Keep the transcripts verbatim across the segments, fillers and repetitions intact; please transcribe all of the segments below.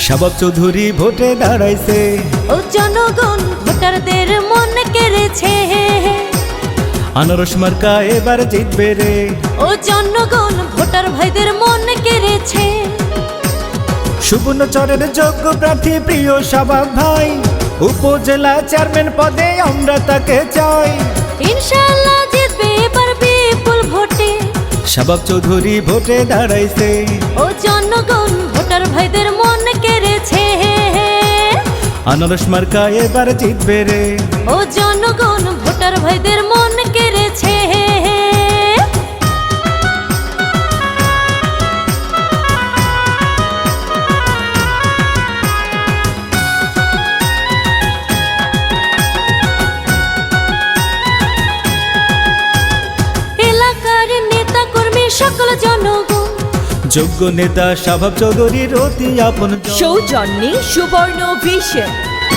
শাবাব চৌধুরী ভোটে দাঁড়াইছে, ও জনগণ ভোটারদের মন কেড়েছে। আনারস মার্কা এবার জিতবে রে, ও জনগণ ভোটার ভাইদের মন কেড়েছে। সুবর্ণচরের যোগ্য প্রার্থী প্রিয় শাবাব ভাই, উপজেলা চেয়ারম্যান পদে আমরা তাকে চাই। ইনশাআল্লাহ জিতবে এবার বিপুল ভোটে। শাবাব চৌধুরী ভোটে দাঁড়াইছে, ও জনগণ ভোটার ভাইদের মন কেড়েছে। আনারস মার্কা এবার জিতবে রে, ও জনগণ ভোটার ভাইদের মন কেড়েছে। এলাকার নেতা কর্মী সকল জনগণ, যোগ্য নেতা শাবাব চৌধুরীর অতি আপন সৌজন্যে সুবর্ণ ভিশন।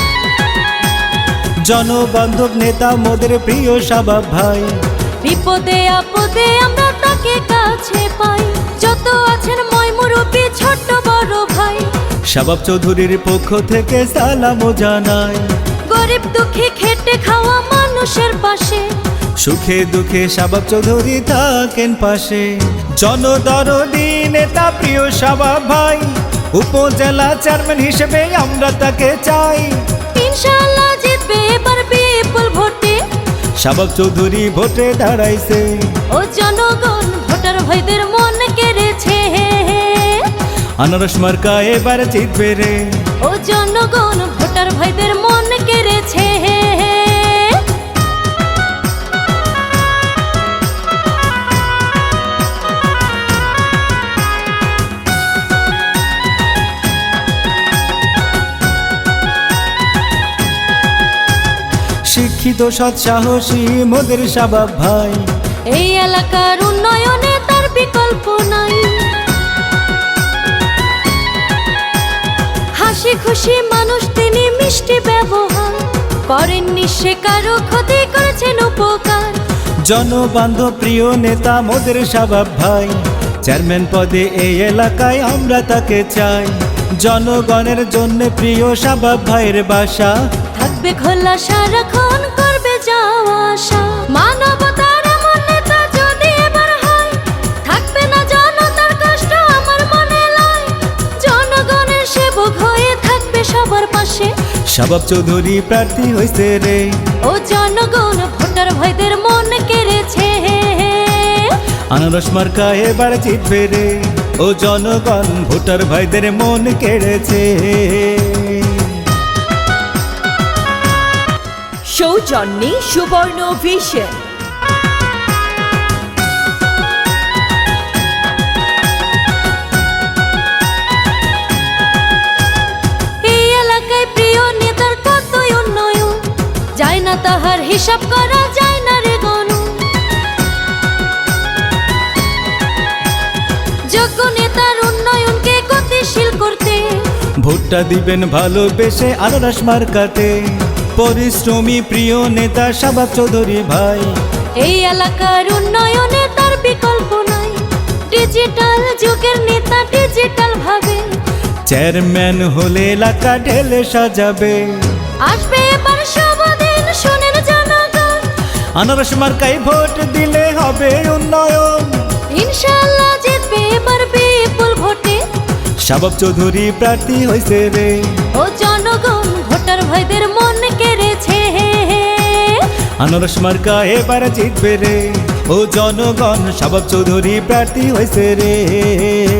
জনবান্ধব নেতা মোদের প্রিয় শাবাব ভাই, বিপদে আপদে আমরা তাকে কাছে পাই। যত আছেন ময়মুরব্বী ছোট বড় ভাই, শাবাব চৌধুরীর পক্ষ থেকে সালামও জানাই। গরিব দুঃখী খেটে খাওয়া মানুষের পাশে, সুখে দুঃখে শাবাব চৌধুরী থাকেন পাশে। জনদরদি নেতা প্রিয় শাবাব ভাই, উপজেলা চেয়ারম্যান হিসেবে আমরা তাকে চাই। ইনশাআল্লাহ জিতবে এবার বিপুল ভোটে। শাবাব চৌধুরী ভোটে দাঁড়াইছে, ও জনগণ ভোটার ভাইদের মন কেড়েছে। আনারস মার্কা এবার জিতবে রে, ও জনগণ ভোটার ভাইদের মন কেড়েছে। শিক্ষিত সৎ সাহসী মোদের শাবাব ভাই, এই এলাকার উন্নয়নে তার বিকল্প নাই। হাসি খুশি মানুষ তিনি, মিষ্টি ব্যবহার করেননি সে কারো ক্ষতি, করেছেন উপকার। জনবান্ধব প্রিয় নেতা মোদের শাবাব ভাই, চেয়ারম্যান পদে এই এলাকায় আমরা তাকে চাই। জনগণের জন্য প্রিয় শাবাব ভাইয়ের বাসা, থাকবে খোলা সারাক্ষণ, করবে যাওয়া আসা। মানবতার এমন নেতা যদি এবার হয়, থাকবে না জনতার কষ্ট আমার মনে লয়। জনগণের সেবক হয়ে থাকবে সবার পাশে। শাবাব চৌধুরী প্রার্থী হইছে রে, ও জনগণ ভোটার ভাইদের মন কেড়েছে। আনারস মার্কা এবার জিতবে রে, ও জনগণ ভোটার ভাইদের মন কেড়েছে। সৌজন্যে সুবর্ণ ভিশন। এই এলাকায় প্রিয় নেতার কতই উন্নয়ন, যায় না তাহার হিসাব করা যায় না রে গণ। যোগ্য নেতার উন্নয়নকে গতিশীল করতে, ভোটটা দিবেন ভালোবেসে আনারস মার্কাতে। পরিশ্রমী প্রিয় নেতা শাবাব চৌধুরী ভাই, এই এলাকার উন্নয়নে তার বিকল্প নাই। ডিজিটাল যুগের নেতা ডিজিটাল ভাবে, চেয়ারম্যান হলে এলাকা ঢেলে সাজাবে। আসবে এবার সবদিন শুনেন জনগণ, আনারস মার্কায় ভোট দিলে হবে উন্নয়ন। ইনশাআল্লাহ জিতবে এবার বিপুল ভোটে। শাবাব চৌধুরী প্রার্থী হইছে রে, ও জনগণ ভোটার ভাইদের মন কেড়েছে। আনারস মার্কা এবার জিতবে রে, ও জনগণ শাবাব চৌধুরী প্রার্থী হইছে রে।